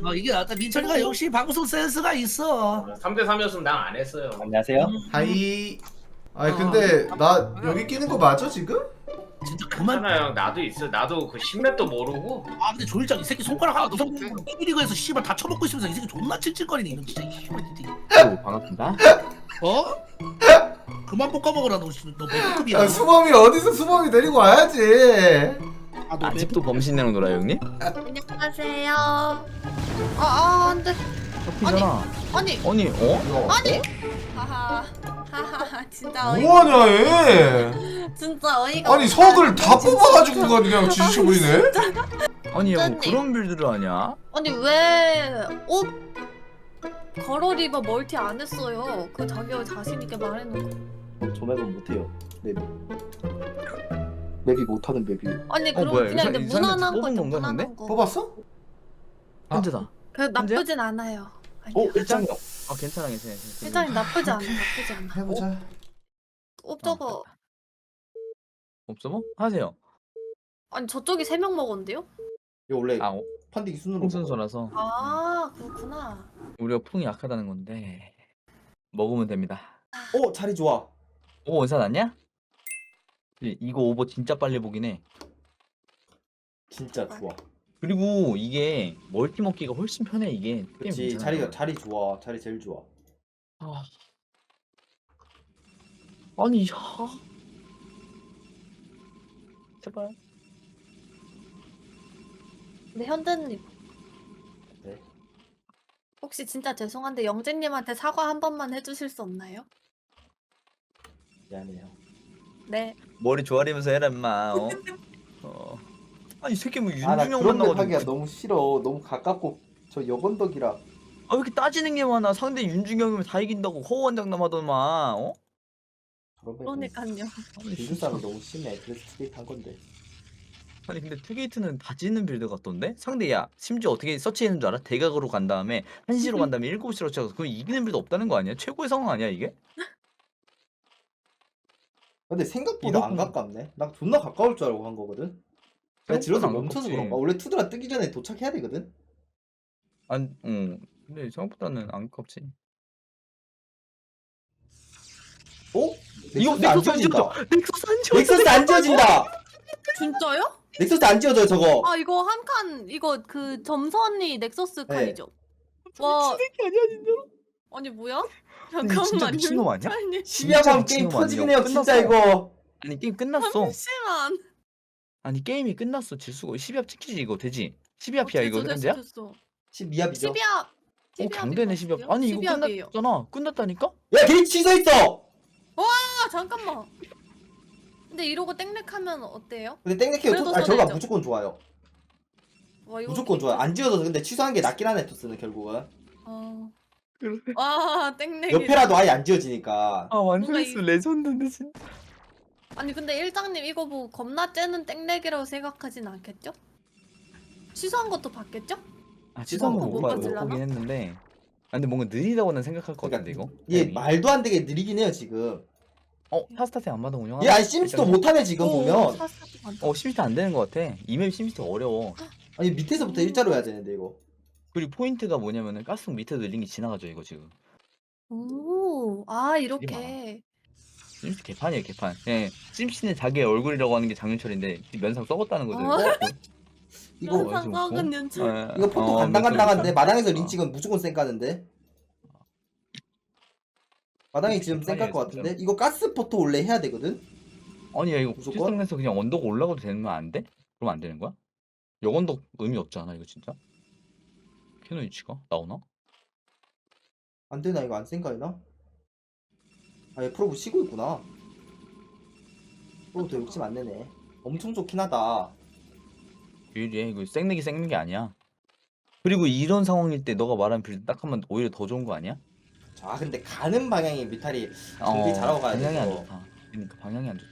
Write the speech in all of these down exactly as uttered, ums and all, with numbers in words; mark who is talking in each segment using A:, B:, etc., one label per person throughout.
A: 어 이게 낫다. 민철이가 역시 방송 센스가 있어.
B: 삼 대 삼이었으면 난 안 했어요.
C: 안녕하세요.
A: 음,
D: 하이. 아니
A: 어.
D: 근데 나 여기 끼는 거 맞아 지금?
A: 진짜 그만.
B: 괜찮아요. 나도 있어. 나도 그 십몇도 모르고.
A: 아 근데 조일장 이 새끼 손가락 하나
E: 나도
A: 구석
E: 못해.
A: B리그에서 씨발 다 쳐먹고 있으면서 이 새끼 존나 찔찔거리네. 이거 진짜 씨발 진짜.
C: 오, 반갑습니다.
A: 어? 그만 볶아먹으라 너. 너 몇급이야?
D: 아, 수범이 어디서 수범이 데리고 와야지.
A: 아, 너
C: 아직도 범신내랑 놀아요, 형님?
F: 안녕하세요. 아, 아, 안 돼.
C: 잡히잖아.
F: 아니,
C: 아니, 어?
F: 아니. 하하, 하하, 진짜 어이,
D: 뭐하냐 얘.
F: 진짜 어이가.
D: 아니
F: 없다.
D: 석을 다
F: 진짜.
D: 뽑아가지고 그냥 지지쳐버리네.
C: 아니, 형
F: 진짜님.
C: 그런 빌드를 하냐?
F: 아니 왜 옷 걸어 리버 멀티 안 했어요? 그 자기 자신 있게 말해놓고.
G: 저 맵은 못해요. 맵이. 맵이 못하는 맵이에요.
F: 아니
C: 어,
F: 그럼
C: 뭐야,
F: 그냥
C: 이사-
F: 근데
C: 이사님한테
F: 무난한 거
C: 뽑은
F: 있죠,
C: 건가,
F: 무난한
C: 근데?
F: 거.
D: 뽑았어?
G: 아.
C: 현재다.
F: 그 나쁘진 않아요.
G: 어, 일장형.
C: 아, 괜찮아, 괜찮아. 괜찮아.
F: 일단 나쁘지 않아, 나쁘지 않아.
D: 해보자.
F: 어, 저거
C: 없어 뭐? 하세요.
F: 아니 저쪽이 세 명 먹었는데요?
G: 이거 원래
C: 아, 어,
G: 펀딩 순으로.
C: 풍순소라서
F: 아 그렇구나.
C: 우리가 풍이 약하다는 건데 먹으면 됩니다.
G: 먹어. 어, 자리 좋아.
C: 오, 원사 났냐? 이- 이거 오버 진짜 빨리 보긴 해.
G: 진짜 좋아.
C: 그리고 이게 멀티 먹기가 훨씬 편해 이게. 게임
G: 그렇지.
C: 괜찮아.
G: 자리가 자리 좋아. 자리 제일 좋아.
C: 아. 아니, 야. 제발.
F: 근데 현대님.
G: 네.
F: 혹시 진짜 죄송한데 영재님한테 사과 한 번만 해주실 수 없나요?
G: 미안해요.
F: 네.
C: 머리 조아리면서 해라 임마. 어? 어. 아니 이 새끼 뭐
G: 아, 나
C: 윤중형
G: 그런 맵 하기가
C: 만나가지고
G: 너무 싫어. 너무 가깝고 저 여건덕이라.
C: 아 왜 이렇게 따지는 게 많아. 상대 윤중형이면 다 이긴다고 허우한장남하더만. 어?
G: 저런 맵은
F: 그러니까요.
C: 아니,
G: 빌드 싸움이 너무 심해. 그래서 트레이트 한 건데.
C: 아니 근데 투게이트는 다 짓는 빌드 같던데? 상대 야 심지어 어떻게 서치했는 줄 알아? 대각으로 간 다음에 한 시로 간 다음에 일곱 시로 쳐서 그럼 이기는 빌드 없다는 거 아니야? 최고의 상황 아니야 이게?
G: 근데 생각보다 안
C: 이렇구나.
G: 가깝네. 나 존나 가까울 줄 알고 한 거거든. 그냥 질러서
C: 안
G: 멈춰서
C: 가깝지.
G: 그런가? 원래 투드라 뜨기 전에 도착해야 되거든.
C: 안, 응. 근데 생각보다는 안 가깝지.
G: 어?
C: 이거
G: 넥서스 안
C: 넥서스 안
G: 지워진다.
C: 지워져! 넥서스 안 지워져!
G: 넥서스 안 지워진다.
F: 진짜요?
G: 넥서스 안 지워져요 저거.
F: 아 이거 한 칸 이거 그 점선이 넥서스
G: 네.
F: 칸이죠? 와
C: 미친 새끼 아니야 진짜로?
F: 아니 뭐야?
C: 아니, 진짜
F: 잠깐만요.
C: 미친놈 아니야?
F: 아니,
G: 십이야 밤
C: 미친
G: 게임
C: 놈
G: 터지네요
C: 아니에요.
G: 진짜
C: 끝났어.
G: 이거.
C: 아니 게임 끝났어.
F: 잠시만.
C: 아니 게임이 끝났어. 질수가 십이 합 찍히지 이거 되지? 십이 합이야 이거
F: 됐어,
C: 현재야?
F: 됐어.
G: 십이 합이죠.
F: 십이 합.
C: 어 강대네 십이 합. 아니 이거
F: 합이에요.
C: 끝났잖아. 끝났다니까?
G: 야 게임 취소했어.
F: 아 잠깐만. 근데 이러고 땡렉하면 어때요?
G: 근데 땡땡해요.
F: 그래도
G: 아 저가
F: 손해죠.
G: 무조건 좋아요.
F: 와, 이거
G: 무조건 좋아요. 안 지워져서 근데 취소한 게 낫긴 하네 토스는 결국은.
F: 어.
C: 그래.
F: 와 땡렉이.
G: 옆에라도 아예 안 지워지니까.
C: 아 완전
F: 뭔가
C: 했어 레전드인데 진짜.
F: 아니 근데 일장님 이거 뭐 겁나 째는 땡렉이라고 생각하진 않겠죠? 취소한 것도 봤겠죠?
C: 아
G: 취소한
C: 취소한
G: 거
C: 거못
G: 못
C: 봐- 못
F: 봤을라나?
C: 보긴 했는데. 아 근데 뭔가 느리다고는 생각할 것 같은데 이거.
G: 얘
C: 게임이.
G: 말도 안 되게 느리긴 해요 지금.
C: 어 타스타트 안 받아 운영하나?
G: 얘 아예 심스도 못하네 지금 보면.
F: 사사도 많다.
C: 어 심스트 안 되는 것 같아. 이맵 심스트 어려워.
G: 아니 밑에서부터 일자로 해야 되는데 이거.
C: 그리고 포인트가 뭐냐면은 가스통 밑에 늘린 게 지나가죠 이거 지금.
F: 오, 아 이렇게.
C: 심스트 개판이에요 개판. 예, 심씨는 자기의 얼굴이라고 하는 게 장윤철인데 면상 썩었다는 거죠.
F: 어?
C: 이거.
G: 이거
C: 어,
F: 면상
C: 지금
F: 썩은
C: 뭐?
F: 윤철.
C: 예,
G: 이거 포토
C: 어,
G: 간당간당한데
C: 면상
G: 마당에서
C: 어.
G: 린치건 무조건 쌩 까는데. 마당이 지금 쌩 깔 것
C: 진짜.
G: 같은데. 이거 가스 포토 원래 해야 되거든.
C: 아니 야 이거
G: 무조건?
C: 시스템에서 그냥 언덕 올라가도 되는 거 안 돼? 그럼 안 되는 거야? 역언덕 의미 없잖아 이거 진짜. 캐논 위치가 나오나?
G: 안 되나 이거 안 쌩 까이나? 아얘 프로브 쉬고 있구나. 프로브도 욕심 안 내네. 엄청 좋긴 하다.
C: 유일해 이거 생내기 생는 게 아니야. 그리고 이런 상황일 때 너가 말한 빌드 딱 하면 오히려 더 좋은 거 아니야?
G: 아 근데 가는 방향이 뮤탈이 정비 잘하고 가야
C: 방향이 안
G: 돼서.
C: 좋다. 그러니까 방향이 안 좋다.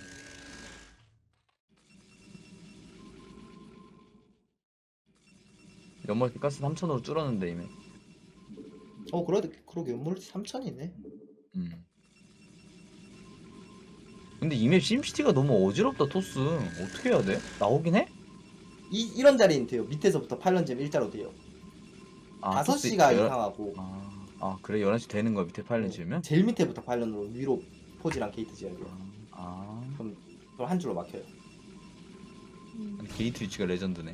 C: 연말티 가스 삼천으로 줄었는데 이미.
G: 어 그러게 그러게 연몰 삼천이네.
C: 음. 근데 이맵 심시티가 너무 어지럽다 토스. 어떻게 해야 돼? 나오긴 해?
G: 이 이런 자리는 돼요. 밑에서부터 팔 런잼 일자로 돼요.
C: 아,
G: 다섯
C: 토스
G: 시가
C: 열-
G: 이상하고
C: 아, 아 그래 열한 시 되는 거야 밑에 파일럿 지으면?
G: 제일 밑에부터 파일런으로 위로 포지랑 게이트 지어야 돼요.
C: 아
G: 그럼 그걸 한 줄로 막혀요.
F: 음.
C: 아니, 게이트 위치가 레전드네.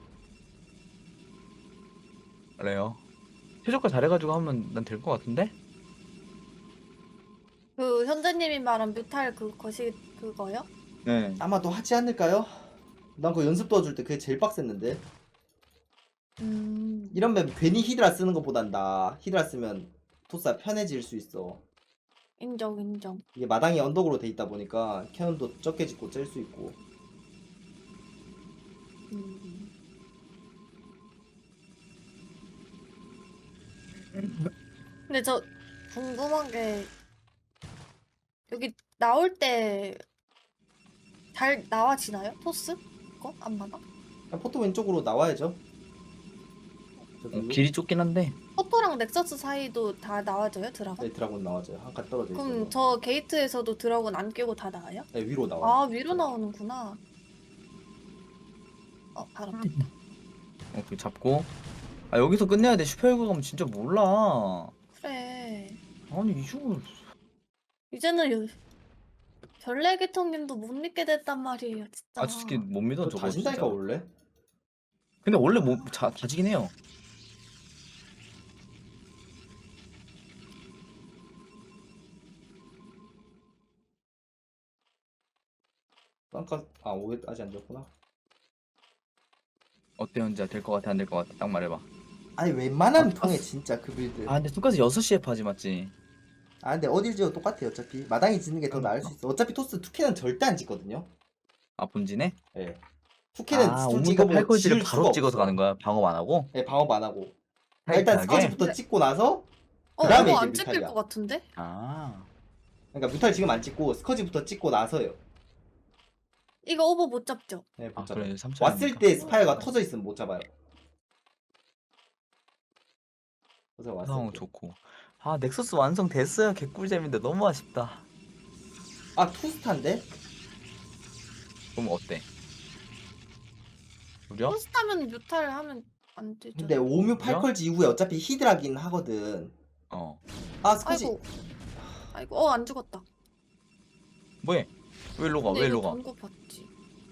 C: 그래요. 최저가 잘해가지고 하면 난 될 것 같은데?
F: 그 현재님이 말한 뮤탈 그 것이 그거요?
C: 네.
G: 아마도 하지 않을까요? 난 그 연습 도와줄 때 그게 제일 빡셌는데.
F: 음.
G: 이런 맵 괜히 히드라 쓰는 것보단 나 히드라 쓰면 토스가 편해질 수 있어.
F: 인정 인정.
G: 이게 마당이 언덕으로 돼 있다 보니까 캐논도 적게 짓고 짤 수 있고.
F: 음. 근데 저 궁금한 게 여기 나올 때 잘 나와지나요? 토스? 그거? 안 맞아?
G: 그냥 포토 왼쪽으로 나와야죠. 저기
C: 어, 길이 좁긴 한데
F: 포토랑 넥서스 사이도 다 나와져요? 드라곤?
G: 네, 드라곤 나와줘요. 한 칸 떨어져 있어요.
F: 그럼 저 게이트에서도 드라곤 안 끼고 다 나와요?
G: 네, 위로 나와요.
F: 아 위로 나오는구나. 어 바로 됐다.
C: 어, 그 잡고 아 여기서 끝내야 돼. 슈퍼헬그 가면 진짜 몰라.
F: 그래.
C: 아니 이거
F: 이제는 요... 별내계통님도 못 믿게 됐단 말이에요 진짜.
C: 아 솔직히 못 믿어
G: 저
C: 저거
G: 다진다니까
C: 진짜.
G: 원래.
C: 근데 원래 뭐 자, 다지긴 해요.
G: 깜깜 아 오해 아직 안 졌구나.
C: 어때 현지야 될 것 같아 안 될 것 같아 딱 말해봐.
G: 아니 웬만하면
C: 아,
G: 통해 진짜 그 빌드.
C: 아 근데 똑같이 여섯 시에 파지 맞지?
G: 아 근데 어딜 지어도 똑같아요 어차피. 마당이 짓는 게 더 나을 수 있어. 어차피 토스 투캐는 절대 안 짓거든요.
C: 아 본진에?
G: 예. 투캐는
C: 아
G: 솔직히
C: 오문도
G: 뭐
C: 팔걸지를
G: 지을
C: 바로
G: 수가
C: 찍어서
G: 없어.
C: 가는 거야? 방업 안 하고?
G: 예, 방업 안 하고. 일단
C: 타이트하게?
G: 스커지부터 찍고 나서
F: 어
G: 그다음에
F: 이거
G: 이제
F: 안 찍힐
G: 뮤탈이야.
F: 것 같은데?
C: 아
G: 그러니까 뮤탈 지금 안 찍고 스커지부터 찍고 나서요.
F: 이거 오버 못 잡죠?
G: 네, 못
C: 아
G: 잡아요.
C: 그래 삼 차
G: 왔을 때 스파이어가 터져 있으면 못 잡아요. 그래서 왔을
C: 상황
G: 때.
C: 좋고 아 넥서스 완성됐어요. 개꿀잼인데 너무 아쉽다.
G: 아 투스타인데?
C: 그럼 어때? 우려?
F: 포스타면 뮤탈 하면 안 되죠.
G: 근데 오뮤 팔컬지 이후에 어차피 히드라긴 하거든.
C: 어
G: 아 스커지.
F: 아이고 아이고 어 안 죽었다.
C: 뭐해? 왜 일로 가?
F: 근데
C: 왜
F: 이거
C: 일로 가?
F: 동고 봤지.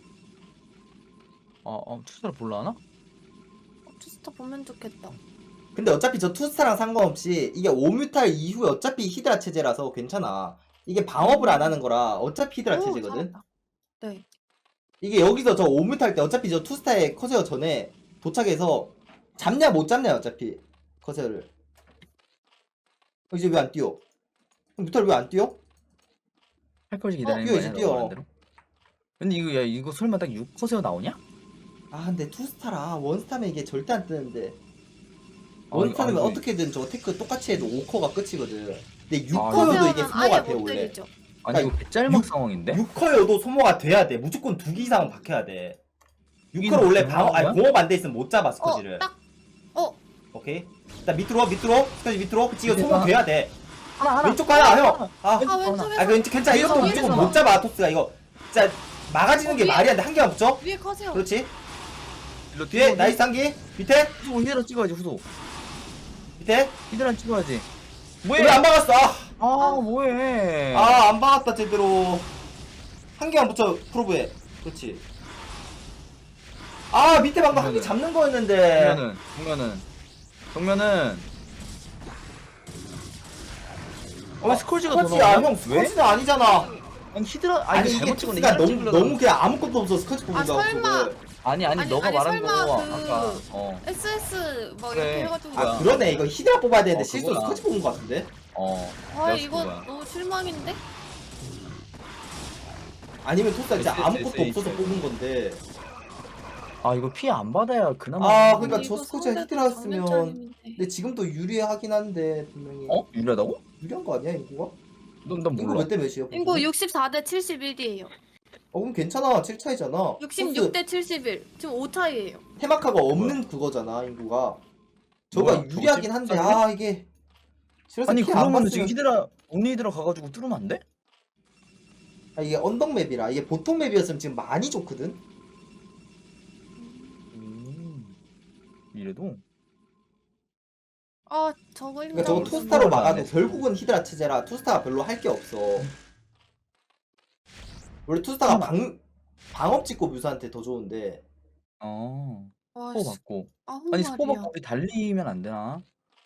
C: 아, 아 투자를 볼라나?
F: 어, 투스타 보면 좋겠다.
G: 근데 어차피 저 투스타랑 상관없이 이게 오뮤탈 이후에 어차피 히드라 체제라서 괜찮아. 이게 방업을 안 하는 거라 어차피 히드라
F: 오,
G: 체제거든.
F: 잘한다. 네.
G: 이게 여기서 저 오뮤탈 때 어차피 저 투스타의 커세어 전에 도착해서 잡냐 못 잡냐 어차피 커세어를. 어, 이제 왜 안 뛰어? 뮤탈 왜 안 뛰어?
C: 팔걸지 기다리는
G: 뛰어,
C: 거
G: 이제
C: 아니야?
G: 뛰어.
C: 너가 말한 대로? 근데 이거 야 이거 설마 딱 육 커세어 나오냐?
G: 아 근데 투스타라 원스타면 이게 절대 안 뜨는데
C: 아니,
G: 원스타면
C: 아니,
G: 어떻게든 저 테크 똑같이 해도 오 커가 끝이거든. 근데 육
C: 아,
G: 커여도
F: 커세어는
G: 이게
F: 아예
G: 소모가 돼
F: 못
G: 원래.
F: 때리죠.
C: 아니 이거 개짤막 상황인데?
G: 육 커여도 소모가 돼야 돼. 무조건 두 개 이상은 박혀야 돼. 육
C: 이상
G: 커를 원래
C: 박히는
G: 방어 아니
C: 거야?
G: 공업 안 돼 있으면 못 잡아 스커지를.
F: 어, 딱. 어,
G: 오케이. 일단 밑으로 밑으로 스커지 밑으로. 그치 이거
C: 밑에다.
G: 소모 돼야 돼.
C: 하나 하나
G: 왼쪽 가야 형. 아,
F: 아
C: 왼쪽
F: 왼쪽에서
G: 아 그 괜찮아.
F: 위에서,
G: 이것도
F: 위에서.
G: 무조건 못 잡아 토스가 이거. 진짜 막아지는
F: 어,
G: 게
F: 위에.
G: 말이 안 돼. 한 개만 붙여.
F: 위에 커세요.
G: 그렇지.
C: 일로
G: 뒤에 나이스 한 개. 밑에
C: 후소 히드라 찍어야지 후소.
G: 밑에.
C: 히드라 찍어야지.
G: 왜 안 막았어? 아.
C: 아 뭐해?
G: 아, 안 박았다, 제대로. 한 개만 붙여, 프로브에. 그렇지. 아, 밑에 방금 한 개 잡는 거였는데.
C: 정면은 정면은 정면은. 어, 왜 스콜지가 더
G: 스커지야,
C: 나오냐?
G: 형, 스커지는 아니잖아.
C: 아니 히드라 아니,
G: 아니,
C: 이거
G: 이게
C: 잘못 찍었네.
G: 토스가
C: 히드라
G: 너무,
C: 찍으려고.
G: 너무 그냥 아무것도 없어, 스커지 보는
F: 아,
G: 거.
F: 설마.
C: 아니 아니,
F: 아니,
C: 너가
F: 아니,
C: 말한
F: 설마
C: 거
F: 그-
C: 아까 어.
F: 에스에스 막
C: 그래.
F: 이렇게 해가지고.
G: 아, 그러네. 이거 히드라 뽑아야 되는데
C: 어,
G: 실수로
C: 그거야.
G: 스커지 뽑은 거 같은데?
C: 어.
F: 아
C: 내가
F: 이거
C: 그거야.
F: 너무 실망인데?
G: 아니면 토스가 진짜
C: 에스 에스
G: 아무것도
C: 에스
G: 없어서 뽑은 건데.
C: 아 이거 피해 안 받아야 그나마.
G: 아,
C: 하는
G: 그러니까
C: 거지.
G: 저
F: 이거
G: 스코지가
F: 상대도
G: 히트라였으면-
F: 장면짜리인데.
G: 근데 지금도 유리하긴 한데, 분명히.
C: 어? 유리하다고?
G: 유리한 거 아니야, 인구가?
C: 넌, 난
G: 인구
C: 몰라.
G: 몇 대 몇이에요?
F: 이거 육십사 대 칠십일이에요.
G: 어, 그럼 괜찮아. 칠 차이잖아.
F: 육십육 대 칠십일. 지금 오 차이에요.
G: 테마카가 없는 그거잖아 인구가. 저가
C: 뭐야, 저거
G: 유리하긴 한데
C: 칠십삼이네?
G: 아 이게 실어서
C: 아니
G: 피안
C: 그러면
G: 봤으면-
C: 지금 히드라 온리 히드라 가가지고 뚫으면 안 돼?
G: 아, 이게 언덕 맵이라 이게 보통 맵이었으면 지금 많이 좋거든.
C: 음. 이래도
F: 아 저거
G: 그러니까 저거
F: 힘들어.
G: 투스타로
C: 안
G: 막아도
C: 했어.
G: 결국은 히드라 체제라 투스타가 별로 할 게 없어. 원래 투스타가 방 방업 찍고 뮤사한테 더 좋은데.
C: 어.
F: 와,
C: 스포
F: 씨,
C: 받고.
F: 아홉
C: 아니 스포
F: 마리야.
C: 받고 우리 달리면 안 되나?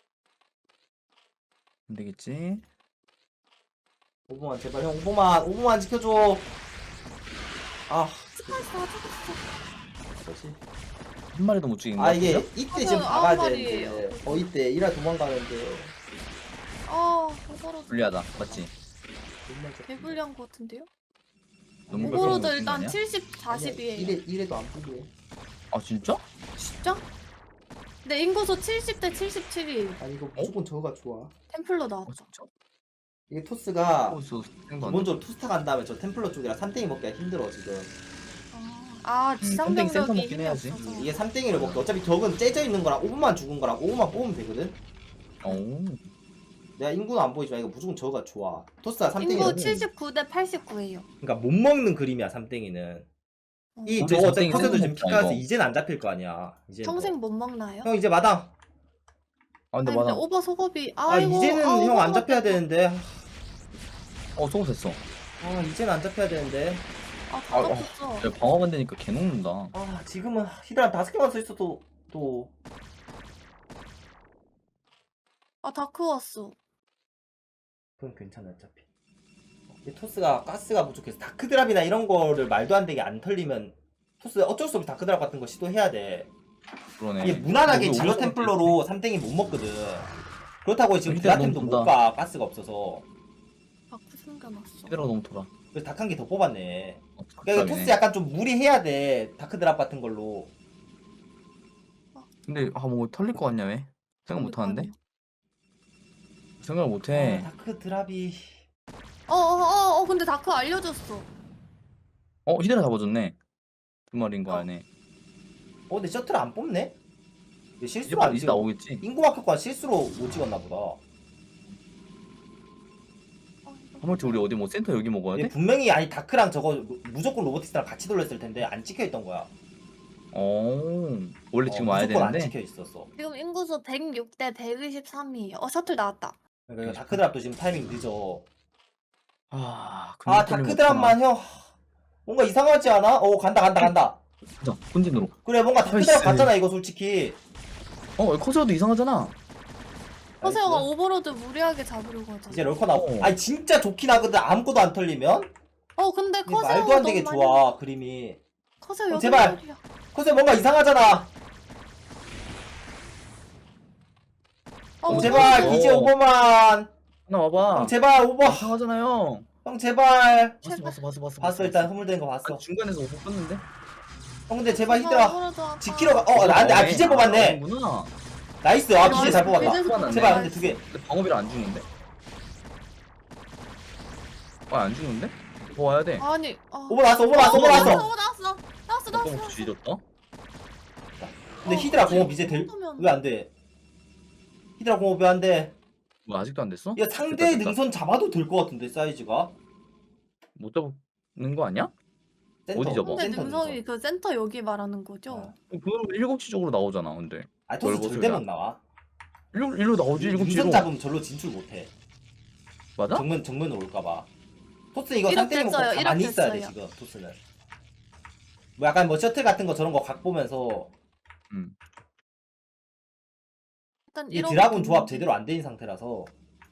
C: 안 되겠지?
G: 오버만 제발 형 오버만 오버만 지켜줘. 아
F: 스파이스 다 죽었어.
G: 그렇지.
C: 한 마리도 못 죽인 거
G: 아 이게
C: 같아요?
G: 이때
F: 아,
G: 지금
F: 아홉
G: 박아야
F: 마리예요.
G: 되는데 어 이때 이라 도망가는데
F: 아 오버로드
C: 불리하다. 맞지?
F: 개불리한 것 같은데요?
C: 너무
F: 오버로드
C: 깜짝
F: 일단
C: 놀란 거
F: 칠십, 사십이에요.
G: 이래 이래도 안 불리해.
C: 아 진짜?
F: 진짜? 근데 인구수 칠십 대 칠십칠이에요.
G: 아니 이거 무조건 저거가 좋아.
F: 템플러
C: 어
F: 나왔다.
C: 진짜?
G: 이게 토스가
C: 호수 생도 안 돼.
G: 기본적으로 투스타 간 다음에 저 템플러 쪽이라 삼땡이 먹기가 힘들어 지금.
F: 아
C: 음, 템플 센터
F: 지상병력이
C: 먹긴
F: 힘이
C: 해야지.
F: 없어서.
G: 이게 삼땡이를 먹기 어차피 적은 째져 있는 거랑 오분만 죽은 거랑 오분만 뽑으면 되거든.
C: 오.
G: 내가 인구는 안 보이지만 이거 무조건 저거가 좋아. 토스가 삼땡이
F: 인구 칠십구 대 팔십구예요.
G: 그러니까 못 먹는 그림이야 삼땡이는. 이
C: 우리
G: 저거 어차피
C: 삼땡이
G: 커세도 지금
C: 생각
G: 피카서
C: 먹자, 이거.
G: 이제는 안 잡힐 거 아니야. 이제
F: 평생 못 먹나요?
G: 형 이제 마당.
C: 아 근데
F: 아니, 근데
C: 맞아.
F: 오버 소급이
G: 아
F: 아이고,
G: 이제는
F: 아,
G: 형 안
F: 오버가
G: 잡혀야 되는데.
C: 어 소금 됐어.
G: 아 이제는 안 잡혀야 되는데.
F: 아, 다
C: 아,
F: 잡혔어.
C: 야, 방어만 되니까 개 녹는다.
G: 아 지금은 히드라 다섯 개만 써 있어도 또
F: 아, 다크 왔어.
G: 그건 괜찮아 어차피. 이 토스가 가스가 부족해서 다크드랍이나 이런 거를 말도 안 되게 안 털리면 토스 어쩔 수 없이 다크드랍 같은 거 시도해야 돼.
C: 그러네.
G: 이게 무난하게
C: 우리
G: 질러
C: 오버로드
G: 템플러로 삼땡이 못 먹거든. 그렇다고 지금
C: 히드라
G: 드라템도
C: 너무
G: 못
C: 돈다.
G: 가 가스가 없어서.
F: 다크 숨겨놨어.
C: 히드라가 너무 돌아.
G: 그래서 닭 한 개 더 뽑았네.
C: 어,
G: 그러니까 이거
C: 답답이네.
G: 토스 약간 좀 무리해야 돼. 다크드랍 같은 걸로.
C: 근데 아 뭐 털릴 것 같냐 왜? 생각 못 하는데? 생각을 못
G: 아,
C: 해.
G: 다크드랍이
F: 어어어 어, 근데 다크 알려줬어.
C: 어 히드라 잡아줬네. 두 마리인 거
F: 어.
C: 안에.
G: 어 근데 셔틀 안 뽑네? 이게
C: 이제
G: 실수로
C: 막
G: 안
C: 이제
G: 찍어.
C: 나오겠지.
G: 인구 마크과 실수로 못 찍었나 보다.
F: 어,
C: 하물며 우리 어디 뭐 센터 여기 먹어야
G: 이게
C: 돼?
G: 분명히 아니 다크랑 저거 무- 무조건 로보틱스랑 같이 돌렸을 텐데 안 찍혀 있던 거야.
C: 어 원래 지금
G: 어,
C: 와야
G: 무조건 안
C: 되는데.
G: 찍혀 있었어.
F: 지금 인구수 백육 대 백이십삼이에요. 어 셔틀 나왔다.
G: 그러니까 이거 다크드랍도 지금 타이밍 늦어.
C: 아,
G: 아 다크드랍만 형 뭔가 이상하지 않아? 어 간다 간다 간다.
C: 자 본진으로.
G: 그래 뭔가 다크드랍
C: 나이스.
G: 같잖아 이거 솔직히.
C: 어 커세어도 이상하잖아.
F: 허세어가
G: 나이스.
F: 오버로드 무리하게 잡으려고 하잖아.
G: 이제 럴커 나오.
C: 어.
G: 아니 진짜 좋긴 하거든 아무것도 안 털리면.
F: 어 근데
G: 이게
F: 커세어
G: 말도 안 되게 좋아 그림이.
F: 커세어
G: 어,
F: 여덟
G: 제발.
F: 마리야.
G: 그래서 뭔가 이상하잖아.
F: 어,
G: 제발
C: 어.
G: 이제 오버만.
C: 하나 와봐.
G: 형 제발 오버.
C: 이상하잖아요.
G: 형 제발.
C: 봤어 봤어 봤어 봤어.
G: 봤어 일단 흐물된 거 봤어.
C: 아니, 중간에서 오버 껐는데?
G: 형 근데 제발
F: 제발
G: 히드라
F: 오버로드 아파.
G: 지키러 가. 어 나한테 아 비제 뽑았네.
C: 구나.
G: 나이스. 아
F: 아,
G: 비제 잘 뽑았다.
F: 비제
C: 뽑았네.
G: 제발 근데 두 개.
C: 근데 방어비를 안 주는데? 아안 주는데? 더 와야 돼.
F: 아니 아.
G: 오버 나왔어 오버 나왔어 오버 나왔어.
F: 오버 나왔어. 나왔어
C: 너무
F: 나왔어.
C: 뒤졌다.
G: 근데
F: 어,
G: 히드라
F: 그치.
G: 공업 이제
F: 이
G: 될
F: 정도면-
G: 왜 안 돼? 히드라 공업 왜 안 돼?
C: 뭐 아직도 안 됐어?
G: 이거 상대
C: 됐다, 됐다.
G: 능선 잡아도 될 것 같은데 사이즈가.
C: 못 잡는 거 아니야?
G: 센터,
C: 어디 접어?
F: 근데
G: 센터
F: 능성이
G: 능선.
F: 그 센터 여기 말하는 거죠?
G: 어.
C: 그럼 일곱 시 쪽으로 나오잖아. 근데
G: 아 토스
C: 넓어서
G: 절대
C: 그냥.
G: 못 나와.
C: 일로 일로 나오지 일곱 시로.
G: 능선 잡으면 절로 진출 못해.
C: 맞아?
G: 정면 정면으로 올까봐. 토스 이거
F: 이렇게
G: 상대 먹고
F: 했어요,
G: 가만히
F: 이렇게
G: 있어야 돼
F: 했어요.
G: 지금 토스는. 뭐 약간 뭐 셔틀 같은 거 저런 거 각 보면서
C: 음.
F: 일단
G: 이
F: 이렇게
G: 드라군 조합
F: 됐는데.
G: 제대로 안 된 상태라서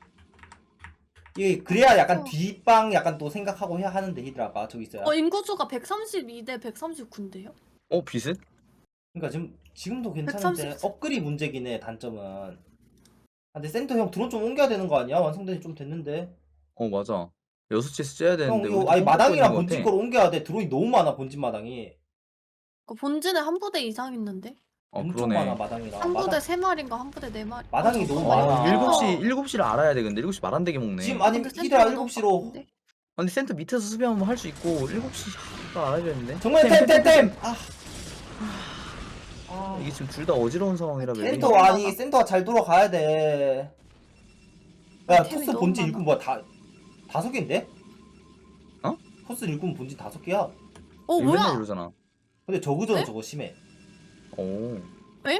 G: 이게 그래야 약간
F: 어.
G: 뒷방 약간 또 생각하고 해야 하는데 히드라가 저기 있어요.
F: 어 인구수가 백삼십이 대 백삼십구인데요?
C: 어 비슷?
G: 그러니까 지금 지금도 괜찮은데
F: 백삼십.
G: 업글이 문제긴 해 단점은. 아, 근데 센터 형 드론 좀 옮겨야 되는 거 아니야? 완성된 지 좀 됐는데.
C: 어 맞아. 여섯 시에서 째야
G: 형
C: 되는데.
G: 이거
C: 우리도
G: 아니
C: 깜빡
G: 마당이랑
C: 거리는 것
G: 본진
C: 같아.
G: 거로 옮겨야 돼. 드론이 너무 많아 본진 마당이.
F: 그 본진에 한 부대 이상 있는데?
C: 어
G: 엄청
C: 그러네.
G: 많아 마당이랑.
F: 한 부대
G: 마당,
F: 세 마리인가 한 부대 네 마리.
G: 마당이
F: 아,
G: 너무
F: 잠깐만요.
G: 많아.
C: 아, 일곱 시 일곱 시를 알아야 돼. 근데 일곱 시 말 안 되게 먹네.
G: 지금 아니
F: 근데
G: 히드라
F: 센터가
G: 일곱 시로
F: 너무 바쁜데?
C: 아니 센터 밑에서 수비하면 할 수 있고 일곱 시가 알아야 되는데.
G: 정말 템템템. 아.
C: 아, 이게 지금 둘 다 어지러운 상황이라 맵이.
G: 센터 아니 센터가 잘 돌아가야 돼. 야
F: 템이
G: 토스
F: 너무
G: 본진
F: 많아.
G: 일꾼 뭐야 다 다섯 개인데?
C: 어?
G: 토스 일꾼 본진 다섯 개야.
F: 어
C: 맨날
F: 뭐야?
C: 이러잖아.
G: 근데 저그전
F: 네?
G: 저거 심해.
C: 오.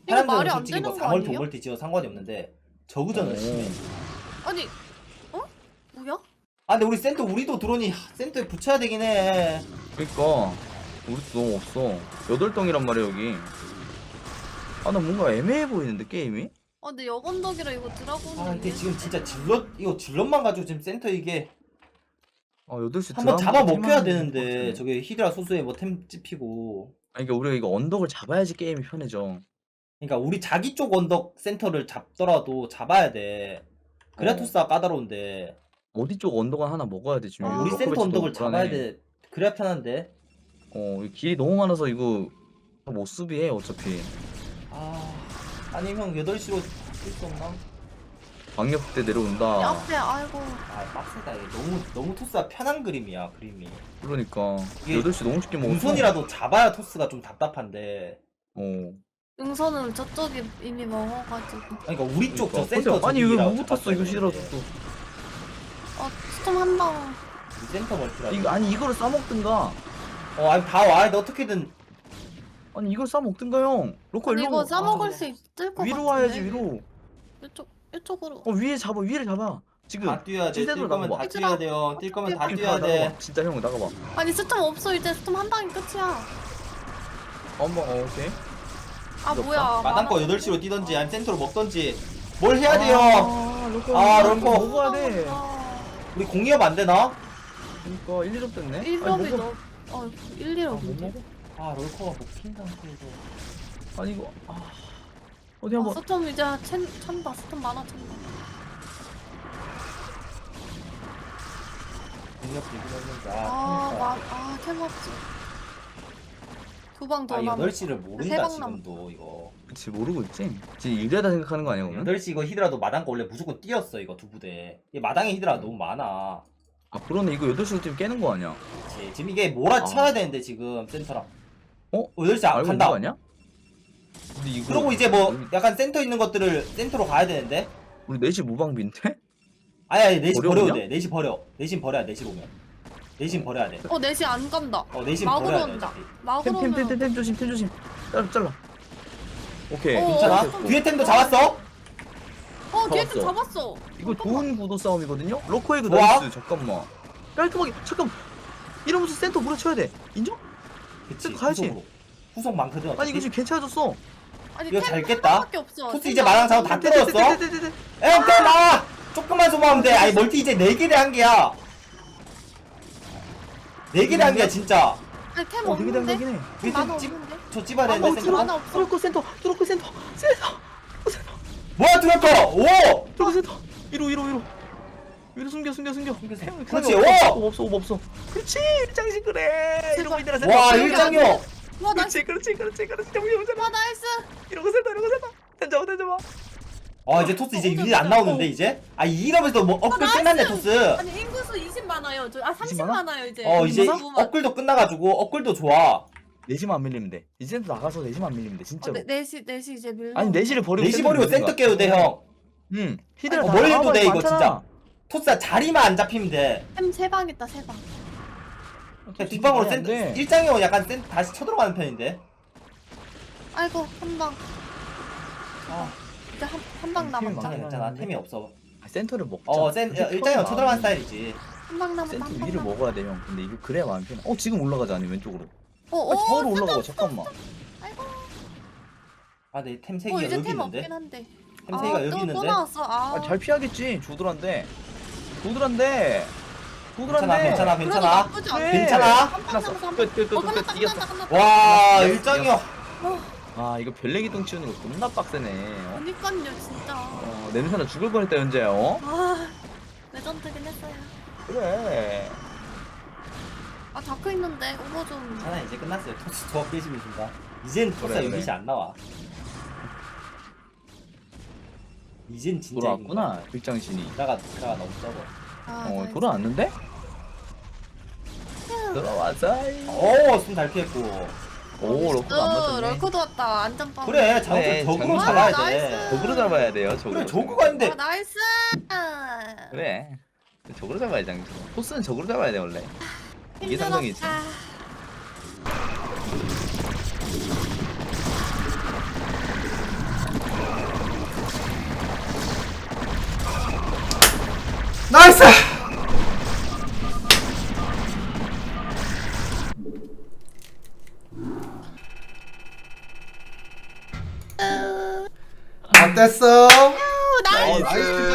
F: 이거
G: 사람들은
F: 말이 안
G: 솔직히 뭐
F: 되는 거
G: 사멀티
F: 아니에요?
G: 오멀티 지어 상관이 없는데 저그전은
C: 오.
G: 심해.
F: 아니 어? 뭐야?
G: 아 근데 우리 센터 우리도 드론이 하, 센터에 붙여야 되긴 해.
C: 그러니까 우리도 너무 없어. 여덟 동이란 말이야 여기. 아 나 뭔가 애매해 보이는데 게임이?
F: 아 근데 여건덕이라 이거 드라곤.
G: 아 근데 지금 진짜 질럿 이거 질럿만 가지고 지금 센터 이게
C: 아 여덟 시
G: 한번
C: 드라마
G: 잡아 먹혀야
C: 팀하는
G: 되는데
C: 것 같아.
G: 저게 히드라 소수에 뭐 템 찝히고.
C: 아니 그러니까 우리가 이거 언덕을 잡아야지 게임이 편해져.
G: 그러니까 우리 자기 쪽 언덕 센터를 잡더라도 잡아야 돼. 그래야
C: 어.
G: 토스가 까다로운데
C: 어디 쪽 언덕은 하나 먹어야 돼 지금.
F: 아,
G: 우리
C: 로커
G: 센터
C: 배치도
G: 언덕을
C: 불안해.
G: 잡아야 돼. 그래야 편한데.
C: 어, 이 길이 너무 많아서 이거 못 수비해 어차피.
G: 아 아니 형 여덟 시로 뛸 수 없나?
C: 방역 때 내려온다.
F: 앞에 아이고.
G: 아 빡세다 이게 너무 너무 토스가 편한 그림이야 그림이.
C: 그러니까
G: 이게
C: 여덟 시 너무 쉽게 먹었어.
G: 우선이라도 잡아야 토스가 좀 답답한데.
C: 어.
F: 능선을 저쪽이 이미 먹어가지고.
G: 그러니까 우리 쪽 저
C: 그러니까.
G: 센터
C: 아니 이거
G: 저기라고
C: 못 탔어
G: 잡았어야
C: 이거 싫어서
G: 되는데.
C: 또.
F: 어 스톰 한 방.
G: 이 센터 멀티라.
C: 이거 아니 이거를 싸 먹든가.
G: 어 아니 다 와. 근데 어떻게든
C: 아니 이걸 싸 먹든가 형. 로커
F: 아니
C: 일로.
F: 이거 싸먹을
G: 아,
F: 수 있을 것
C: 위로
F: 같은데.
C: 와야지 위로.
F: 이쪽 이쪽으로.
C: 어 위에 잡아 위를 잡아. 지금.
G: 다 뛰어야 돼.
C: 찐새로
G: 뛸 거면
C: 나가봐.
G: 다 뛰어야 돼요. 뛸 거면 다
F: 어떻게
G: 뛰어야 돼.
C: 나가봐. 진짜 형 나가봐.
F: 아니 스톰 없어 이제 스톰 한 방이 끝이야.
C: 어머 어, 오케이.
F: 아
C: 이거
F: 뭐야.
G: 마당 거 여덟 시로 뛰던지 아니면 센터로 먹던지 뭘 해야 돼요.
C: 아 로커.
G: 아,
C: 로커
G: 로커.
C: 먹어야 돼.
G: 우리 공이업 안 되나?
C: 그러니까 일, 이 점 됐네.
F: 일
C: 아니,
F: 점이
C: 먹어.
F: 너. 어 일, 일
C: 아, 못
F: 점인데.
C: 먹어?
G: 아 롤커가 먹힌 상태에서.
C: 아니 이거 아 어디
F: 아,
C: 한번
F: 스톰 이제 챈, 찬다. 스톰 많아 찬다.
G: 공이업 되긴 했는데
F: 아,
G: 아
F: 마, 아, 캐먹지. 두 방 더
G: 아
F: 남았어.
G: 여덟 시를 모른다
F: 세방
G: 지금도 이거.
C: 그치 모르고 있지. 지금 유리하다 생각하는 거 아니야 그러면?
G: 여덟 시 이거 히드라도 마당 거 원래 무조건 뛰었어 이거 두 부대. 이 마당에 히드라 너무 많아.
C: 아 그러네 이거 여덟 시로 지금 깨는 거 아니야?
G: 그치. 지금 이게 몰아쳐야
C: 아.
G: 되는데 지금 센터랑.
C: 어?
G: 여덟 시 안
C: 알고 있는
G: 간다.
C: 거 아니야? 근데 이거
G: 그러고 이제 뭐
C: 우리,
G: 약간 센터 있는 것들을 센터로 가야 되는데.
C: 우리 넷이 무방비인데?
G: 아니 아니 넷시
C: 어려우냐?
G: 버려도 돼. 넷시 버려. 넷시 버려야 돼. 넷시 오면. 넷시 버려야 돼.
F: 어, 넷이 안 간다.
G: 어 넷시
F: 막으로
G: 버려야 돼.
F: 온다.
G: 어차피.
F: 막으로 오면.
C: 템템템템 조심 템 조심. 잘라 잘라. 오케이.
F: 어,
G: 괜찮아?
F: 어,
G: 뒤에 템도 잡았어?
F: 어, 걔 좀
C: 잡았어.
F: 잡았어.
C: 이거 좋은 구도 싸움이거든요. 로커에그
G: 좋아.
C: 나이스. 잠깐만. 깔끔하게 잠깐. 이러면서 센터 물어쳐야 돼. 인정?
G: 그치.
C: 가야지.
G: 후속으로. 후속 많거든.
C: 아니 이거 지금 괜찮아졌어.
F: 아니,
G: 이거
F: 템
G: 잘
F: 한
G: 깼다.
F: 방밖에 없어.
G: 토스
F: 템
G: 이제 마당 잡아 다 뜯었어?
C: 떼떼떼떼떼떼떼.
G: 에, 떼 나와! 조금만 소모하면 돼. 아니 멀티 이제 네 개대 한 개야. 네 개대 한 개야 진짜.
F: 아니, 템
C: 어 되게
F: 없는데?
C: 당기네.
G: 이게
F: 만화
G: 찝-
F: 없는데?
G: 저 찝어야
F: 아,
G: 되는데
F: 뭐
G: 센터.
F: 만화 없어.
C: 트로코 센터. 트로코 센터. 센터.
G: 뭐야 트럭커! 오!
C: 트로코 센터. 위로 위로 위로. 위로 숨겨 숨겨 숨겨. 템,
G: 그렇지,
C: 템이
G: 오!
C: 없어 없어 없어 없어. 그렇지. 일장식 그래. 이러고 있더라 센터.
G: 와
F: 여기
G: 일장이요!
F: 와, 나이스.
C: 그렇지 그렇지 그렇지 그렇지. 정리 오잖아.
F: 와, 나이스.
C: 이러고 센터 이러고 센터. 던져 던져.
G: 아 이제 토스 이제 유닛 안 나오는데 이제? 아 이러면서 뭐 업글
F: 나이스!
G: 끝났네 토스.
F: 아니, 인구수 이십 많아요. 저, 아, 삼십
C: 이십 많아?
F: 많아요, 이제.
G: 어 이제
F: 인구수만.
G: 업글도 끝나가지고 업글도 좋아.
C: 내지만 안 밀리면 돼. 이제 센터 나가서 내지만 안 밀리면 돼
F: 어,
C: 진짜로.
F: 네, 넷이, 넷이 이제 밀려.
C: 아니 내지를 버리고
G: 네시 버리고 센터 깨도 돼 형.
C: 응. 히드라
G: 어,
C: 다
G: 뭘 해도
C: 나와봐야
G: 돼 이거
C: 많잖아.
G: 진짜. 토스야 자리만 안 잡히면 돼.
F: 템세 방 있다, 세 방.
G: 그냥 뒷방으로
C: 말이 안
G: 센터
C: 돼.
G: 일장이 형 약간 센 다시 쳐들어가는 편인데.
F: 아이고, 한 방.
G: 아
F: 이제 한, 한 방
C: 템이
F: 남았다.
G: 괜찮아
C: 많아.
G: 괜찮아 템이 없어.
C: 아, 센터를 먹자.
G: 어센 일장이 형 쳐들어가는 스타일이지.
F: 한 방 남았다,
C: 센터
F: 한 방
C: 위를
F: 남았다.
C: 먹어야 돼 형. 근데 이거 그래야 마음 편해. 어 지금 올라가자 아니 왼쪽으로.
F: 어,
C: 아,
F: 어,
C: 저로 올라가봐 잠깐만.
F: 아이고.
G: 아내 템 세
F: 어,
G: 개가
F: 이제
G: 여기
F: 템
G: 있는데.
F: 없긴 한데.
G: 템 세 개가
F: 아,
G: 여기
F: 또,
G: 있는데.
F: 또 나왔어. 아,
C: 아, 잘 피하겠지. 조드란데. 조드란데.
G: 괜찮아
C: 조드란데.
G: 괜찮아
F: 그래도
G: 괜찮아.
F: 나쁘지 않아.
C: 그래.
G: 괜찮아.
F: 한 방 남았어, 한 방.
C: 끝끝끝
F: 어, 끝났다,
C: 이겼어.
F: 끝났다, 끝났다.
G: 와
C: 야,
G: 일장이 형.
C: 아 이거 별내기동 치우는 거 겁나 빡세네. 어?
F: 그니까요, 진짜.
C: 어, 냄새나 죽을 뻔했다 현재야. 어?
F: 아, 레전드긴 했어요.
C: 그래.
F: 아, 다크 있는데, 오버 좀.
G: 괜찮아 이제 끝났어요. 토스 조합 깨지면 준다. 이젠 토스가
C: 그래,
G: 유닛이
C: 그래.
G: 안 나와. 이젠 진짜
C: 돌아왔구나 일장신이.
G: 이라가 이라가 너무 적어.
F: 아,
C: 어
F: 나이스.
C: 돌아왔는데? 돌아왔어.
G: 오, 숨 잘 피했고.
C: 오 로커도 안
F: 어,
C: 맞았네.
F: 럴커도 왔다. 안전빵.
G: 그래, 자,
C: 그래,
G: 적으로
C: 장난
G: 잡아야
F: 아니야.
G: 돼.
F: 나이스.
C: 저그로 잡아야 돼요. 저그로.
G: 그래, 저그가 있는데.
F: 아, 나이스.
C: 그래. 저그로 잡아야지 장저 토스는 저그로 잡아야 돼 원래. 이게 상상이지.
F: 힘들었다.
D: 나이스. 어땠어?
F: 나이스.
G: 나이스.